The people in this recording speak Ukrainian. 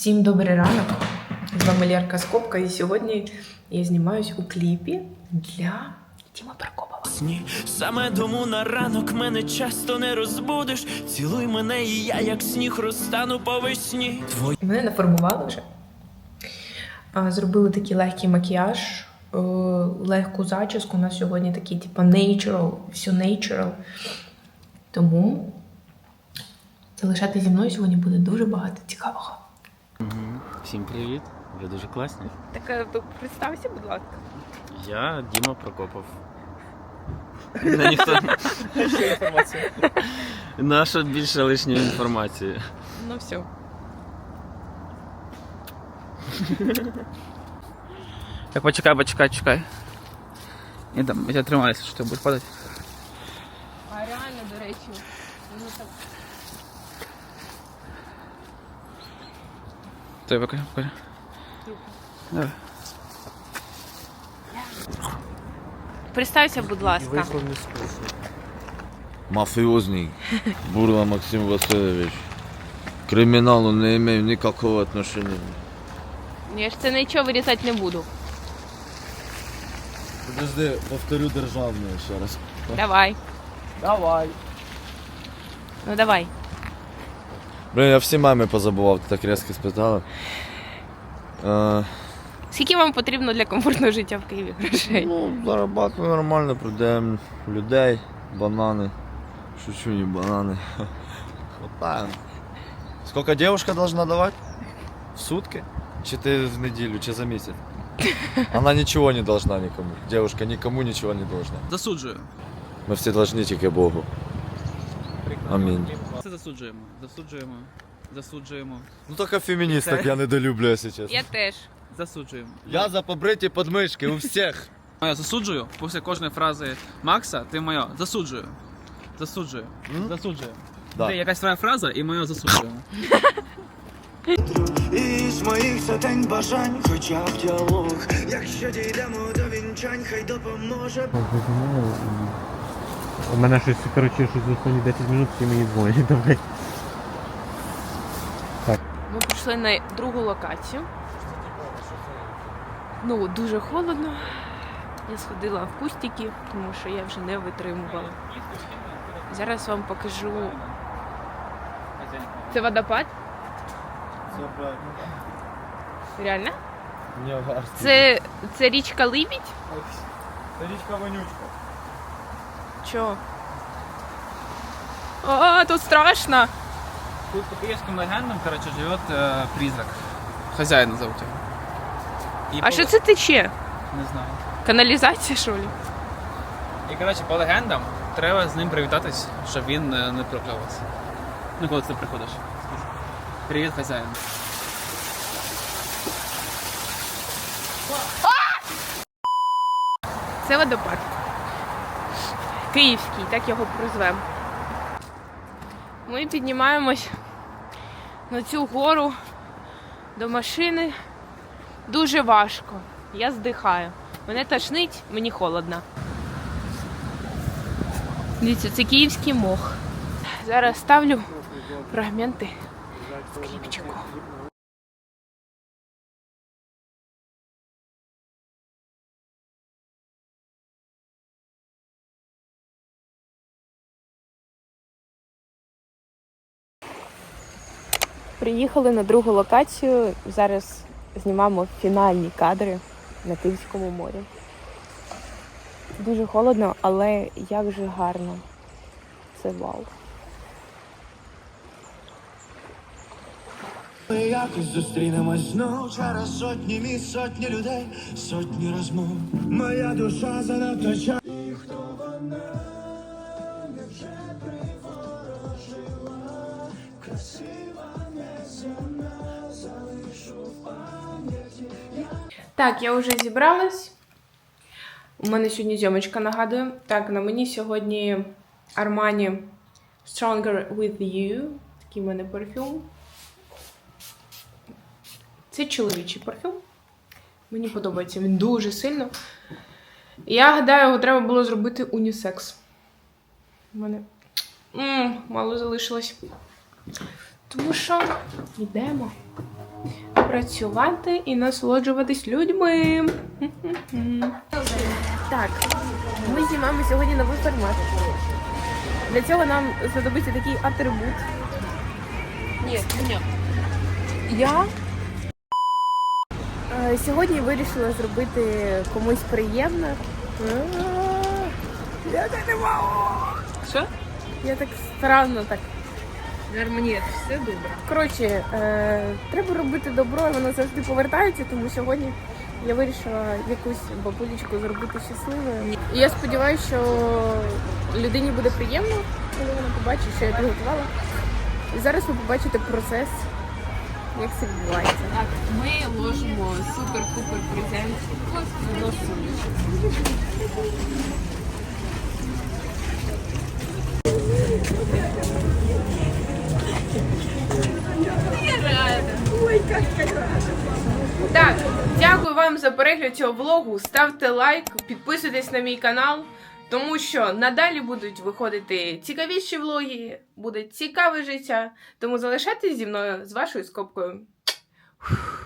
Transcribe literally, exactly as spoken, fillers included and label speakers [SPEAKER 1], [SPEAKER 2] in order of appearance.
[SPEAKER 1] Всім добрий ранок! З вами Лєрка Скобка, і сьогодні я знімаюсь у кліпі для Діми Прокопова.
[SPEAKER 2] Саме тому на ранок мене часто не розбудиш. Цілуй мене, і я як сніг розтану по весні. Твої...
[SPEAKER 1] Мене нафарбували вже. Зробили такий легкий макіяж, легку зачіску. У нас сьогодні такий, типу, natural, все natural. Тому залишайтеся зі мною, сьогодні буде дуже багато цікавого.
[SPEAKER 3] Угу. Всім привіт, ви дуже класні.
[SPEAKER 1] Так, представся, будь ласка.
[SPEAKER 3] Я Діма Прокопов. Не, ніхто...
[SPEAKER 4] Ще інформація.
[SPEAKER 3] Наша більше лишньої інформації.
[SPEAKER 1] Ну все.
[SPEAKER 4] Так, почекай, почекай, чекай. Я там, я тримаюся, що ти будеш падати.
[SPEAKER 1] А реально, до речі, ну так.
[SPEAKER 4] Той, покажи, покажи. Давай.
[SPEAKER 1] Представся, будь ласка.
[SPEAKER 5] Мафиозный Бурла Максим Васильевич. К криминалу не имею никакого отношения.
[SPEAKER 1] Я ж це нічого вирізати не буду.
[SPEAKER 5] Подожди, повторю державное еще раз.
[SPEAKER 1] Давай.
[SPEAKER 4] Давай.
[SPEAKER 1] Ну давай.
[SPEAKER 5] Блин, я всі мами позабував, ти так різко спитала. Е,
[SPEAKER 1] Скільки вам потрібно для комфортного життя в Києві грошей?
[SPEAKER 5] ну, зарабатываю нормально, продаємо людей, банани. Шучу, не банани. Хватаем. Сколько девушка должна давать? В сутки? Чи ты в неделю, чи за месяц? Она ничего не должна никому. Девушка никому ничего не должна.
[SPEAKER 4] Засуджую.
[SPEAKER 5] Мы все должны тільки Богу. Амінь.
[SPEAKER 4] Це засуджуємо. Засуджуємо. Засуджуємо.
[SPEAKER 5] Ну только феминисток я недолюблю, если честно.
[SPEAKER 1] Я теж.
[SPEAKER 4] Засуджуємо.
[SPEAKER 5] Я за побриті подмишки у всіх.
[SPEAKER 4] Моя засуджую. Після кожної фрази Макса ти моя засуджую. Засуджую.
[SPEAKER 5] М?
[SPEAKER 4] Засуджую.
[SPEAKER 5] Да.
[SPEAKER 4] Де якась твоя фраза і моя засуджуємо.
[SPEAKER 2] Із моїх сотень бажань, хоча б діалог. Якщо дійдемо до вінчань, хай допоможе.
[SPEAKER 6] У мене щось, коротше, щось за останні десять минут всі мені дзвонять, давай.
[SPEAKER 1] Ми прийшли на другу локацію. Ну, дуже холодно. Я сходила в кустики, тому що я вже не витримувала. Зараз вам покажу. Це водопад?
[SPEAKER 5] Все правильно.
[SPEAKER 1] Реально?
[SPEAKER 5] Не важно.
[SPEAKER 1] Це, це річка Либідь?
[SPEAKER 5] Це річка Вонючка.
[SPEAKER 1] Чо? А, тут страшно.
[SPEAKER 4] Тут по київським легендам, коротше, живе е, призрак. Хазяїна зовут його. І
[SPEAKER 1] А
[SPEAKER 4] по-
[SPEAKER 1] що це тече?
[SPEAKER 4] Не знаю.
[SPEAKER 1] Каналізація, що ли?
[SPEAKER 4] І, коротше, по легендам треба з ним привітатись, щоб він е, не прокляв вас. Ну, коли ти приходиш. Привіт, хазяїн.
[SPEAKER 1] Це водопад. Київський, так його прозвемо. Ми піднімаємось на цю гору до машини. Дуже важко. Я здихаю. Мене тошнить, мені холодно. Дивіться, це київський мох. Зараз ставлю фрагменти в кліпчику. Приїхали на другу локацію. Зараз знімаємо фінальні кадри на Київському морі. Дуже холодно, але як же гарно. Це вау.
[SPEAKER 2] Ми якось зустрінемось знов через сотні місць, сотні людей, сотні розмов. Моя душа занадто ча. І хто вона, невже приворожила, красива, неземна, залишу в пам'яті.
[SPEAKER 1] Так, я вже зібралась. У мене сьогодні зйомочка, нагадую. Так, на мені сьогодні Armani Stronger With You. Такий в мене парфюм. Це чоловічий парфюм. Мені подобається він дуже сильно. Я гадаю, його треба було зробити унісекс. У мене М, мало залишилось. Тому що йдемо. працювати і насолоджуватись людьми. Так, ми знімаємо сьогодні новий формат. Для цього нам знадобиться такий атрибут. Ні, ні. Я е, сьогодні вирішила зробити комусь приємно. Я так не можу. Що? Я так странно так. Гармонія, все добре. Коротше, е, треба робити добро, і воно завжди повертається, тому сьогодні я вирішила якусь бабулечку зробити щасливою. І я сподіваюся, що людині буде приємно, коли вона побачить, що я підготувала. І зараз ви побачите процес, як це відбувається.
[SPEAKER 7] Так, ми ложимо супер-пупер презент на сумочку.
[SPEAKER 1] Так, дякую вам за перегляд цього влогу. Ставте лайк, підписуйтесь на мій канал, тому що надалі будуть виходити цікавіші влоги, буде цікаве життя. Тому залишайтесь зі мною з вашою скобкою. Фух.